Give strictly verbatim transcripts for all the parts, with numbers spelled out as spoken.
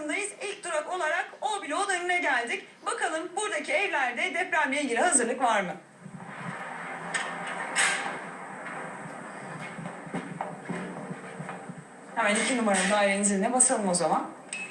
hattındayız. İlk durak olarak O bloğun önüne geldik. Bakalım buradaki evlerde depremle ilgili hazırlık var mı? Hemen iki numaralı dairenin ziline basalım o zaman.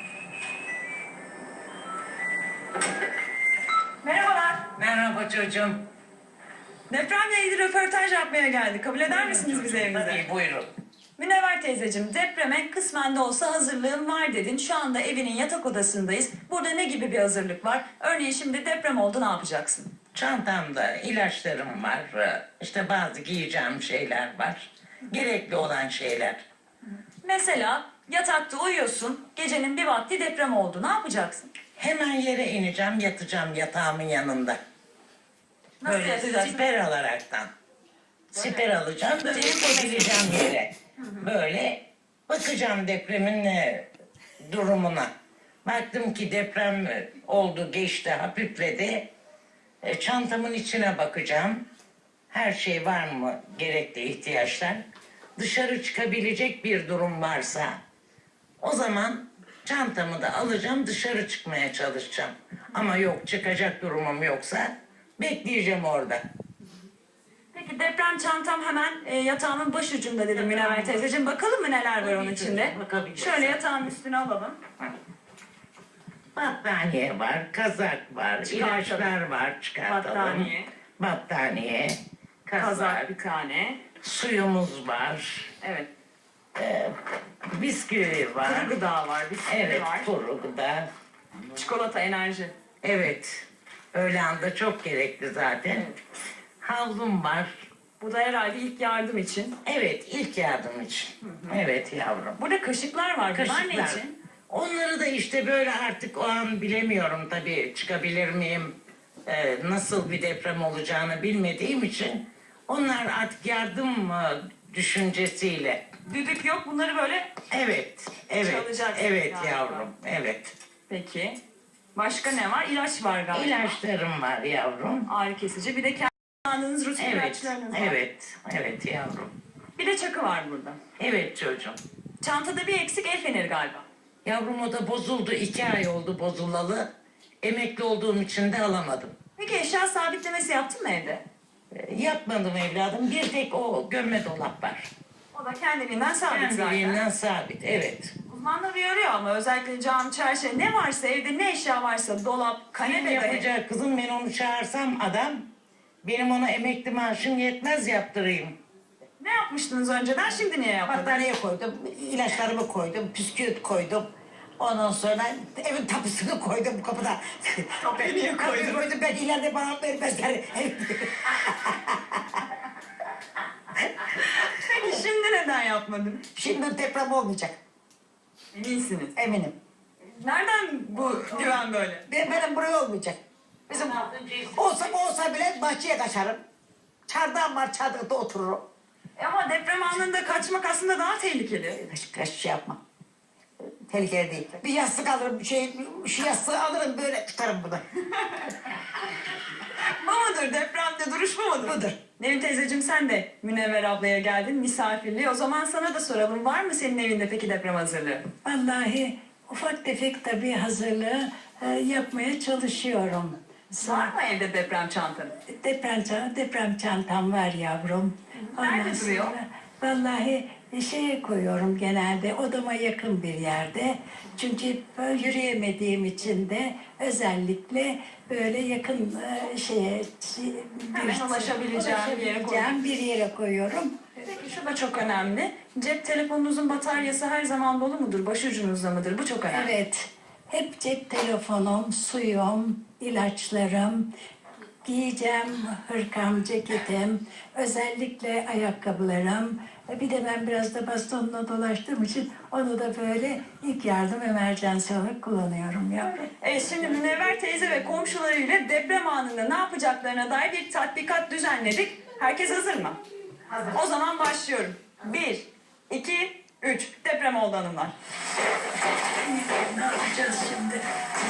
Merhabalar. Merhaba çocuğum. Depremle ilgili röportaj yapmaya geldik. Kabul eder misiniz bizi evinize? Tabii buyurun. Münevver teyzeciğim, depreme kısmen de olsa hazırlığım var dedin. Şu anda evinin yatak odasındayız. Burada ne gibi bir hazırlık var? Örneğin şimdi deprem oldu, ne yapacaksın? Çantamda ilaçlarım var. İşte bazı giyeceğim şeyler var. Gerekli olan şeyler. Mesela yatakta uyuyorsun, gecenin bir vakti deprem oldu. Ne yapacaksın? Hemen yere ineceğim, yatacağım yatağımın yanında. Nasıl Böyle yatacaksın? siper alaraktan. Siper alacağım, böyle koyabileceğim yere. Böyle bakacağım depremin e, durumuna. Baktım ki deprem oldu, geçti, hafifledi. E, çantamın içine bakacağım. Her şey var mı, gerekli ihtiyaçlar. Dışarı çıkabilecek bir durum varsa o zaman çantamı da alacağım, dışarı çıkmaya çalışacağım. Ama yok, çıkacak durumum yoksa bekleyeceğim orada. Peki deprem çantam hemen e, yatağımın başucunda dedim Münevver teyzeciğim. Bakalım mı neler var onun içinde? Bakabilirsin. Şöyle yatağın üstüne alalım. Battaniye var, kazak var, Çıkartalım. ilaçlar var, çıkartalım. Battaniye. Battaniye, kazak, Kazak bir tane. suyumuz var, Evet. e, bisküvi var. Kuru gıda var, bisküvi Evet, var. kuru gıda. Çikolata, enerji. Evet, öğle anda çok gerekli zaten. Evet. Havlum var. Bu da herhalde ilk yardım için. Evet, ilk yardım için. Evet yavrum. Burada kaşıklar var. Bunlar ne Kaşıklar. için? Onları da işte böyle artık o an bilemiyorum tabii, çıkabilir miyim, e, nasıl bir deprem olacağını bilmediğim için onlar artık yardım e, düşüncesiyle. Düdük yok. Bunları böyle... Evet, evet, Çalacaksın evet galiba. yavrum, evet. Peki. Başka ne var? İlaç var galiba. İlaçlarım var yavrum. Ağrı kesici. Bir de kendiniz rutin Evet, ilaçlarınız var. evet, evet yavrum. Bir de çakı var burada. Evet çocuğum. Çantada bir eksik, el feneri galiba. Yavrum o da bozuldu, iki ay oldu bozulalı. Emekli olduğum için de alamadım. Peki eşya sabitlemesi yaptın mı evde? E, Yapmadım evladım, bir tek o gömme dolap var. O da kendiliğinden sabit zaten. Kendiliğinden sabit, evet. Uzmanlar uyarıyor ama özellikle cam, çerçeve ne varsa evde, ne eşya varsa dolap, Ne kanepe dahi. yapacak kızım, ben onu çağırsam adam, benim ona emekli maaşım yetmez yaptırayım. Ne yapmıştınız önceden, şimdi niye yapmadınız? Battaniye koydum, ilaçlarımı koydum, püsküvit koydum. Ondan sonra evin tapusunu koydum kapıda. Kapıyı niye koydun? Kapıyı koydum, ben ileride bana vermezler. Peki şimdi neden yapmadın? Şimdi deprem olmayacak, Eminsiniz. eminim. Nereden bu güven böyle? Ben, benim buraya olmayacak. Bizim olsa olsa bile bahçeye kaçarım. Çardağım var, çardakta otururum. E Ama deprem anında kaçmak aslında daha tehlikeli. Kaç, kaç şey yapmam. Tehlikeli değil. Bir yastık alırım, şey, şu yastığı alırım böyle tutarım bunu. Bu mudur? Depremde duruş mu mudur? Budur. Nevin teyzeciğim, sen de Münevver ablaya geldin misafirliğe. O zaman sana da soralım. Var mı senin evinde peki deprem hazırlığı? Vallahi ufak tefek tabii hazırlığı e, yapmaya çalışıyorum. Var mı evde deprem çantanı? Deprem, çan- deprem çantam var yavrum. Nerede Ondan duruyor? sonra Vallahi şeye koyuyorum genelde, odama yakın bir yerde. Çünkü böyle yürüyemediğim için de özellikle böyle yakın e, şeye şey- Hemen ulaşabileceğim bir yere ulaşabileceğim bir yere koyuyorum. Peki şu da çok önemli. Cep telefonunuzun bataryası her zaman dolu mudur? Başucunuzda mıdır? Bu çok önemli. Evet, hep cep telefonum, suyum, ilaçlarım, giyeceğim hırkam, ceketim, özellikle ayakkabılarım. Bir de ben biraz da bastonla dolaştığım için onu da böyle ilk yardım emerjansı olarak kullanıyorum yavrum. Evet, şimdi Münevver teyze ve komşularıyla deprem anında ne yapacaklarına dair bir tatbikat düzenledik. Herkes hazır mı? Hazır. O zaman başlıyorum. Bir, iki, üç. Deprem oldu hanımlar. Ne yapacağız şimdi?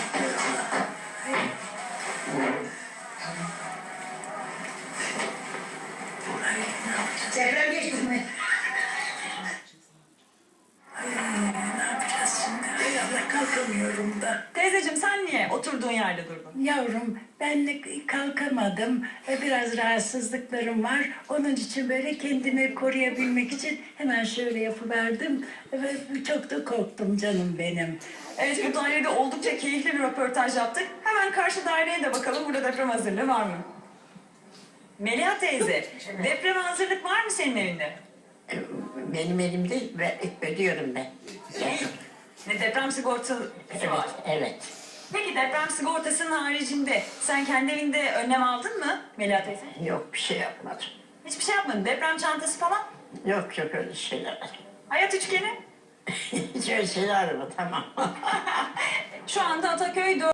Deprem geçti mi? Ay, ne yapacağız şimdi? Hay Allah, kalk kalkamıyorum da. Teyzeciğim sen niye oturduğun yerde durdun? Yavrum ben de kalkamadım. E, Biraz rahatsızlıklarım var. Onun için böyle kendimi koruyabilmek için hemen şöyle yapıverdim. Ve çok da korktum canım benim. Evet, bu dairede oldukça keyifli bir röportaj yaptık. Hemen karşı daireye de bakalım, burada deprem hazırlığı var mı? Meliha teyze, depreme hazırlık var mı senin evinde? Benim elimde ve ödüyorum ben. Ne deprem sigortası Evet, var. evet. Peki deprem sigortasının haricinde sen kendi evinde önlem aldın mı Meliha teyze? Yok bir şey yapmadım. Hiçbir şey yapmadın. Deprem çantası falan. Yok yok öyle şeyler. Hayat üçgeni. Hiç öyle şeyler mi? Tamam. Şu anda Ataköy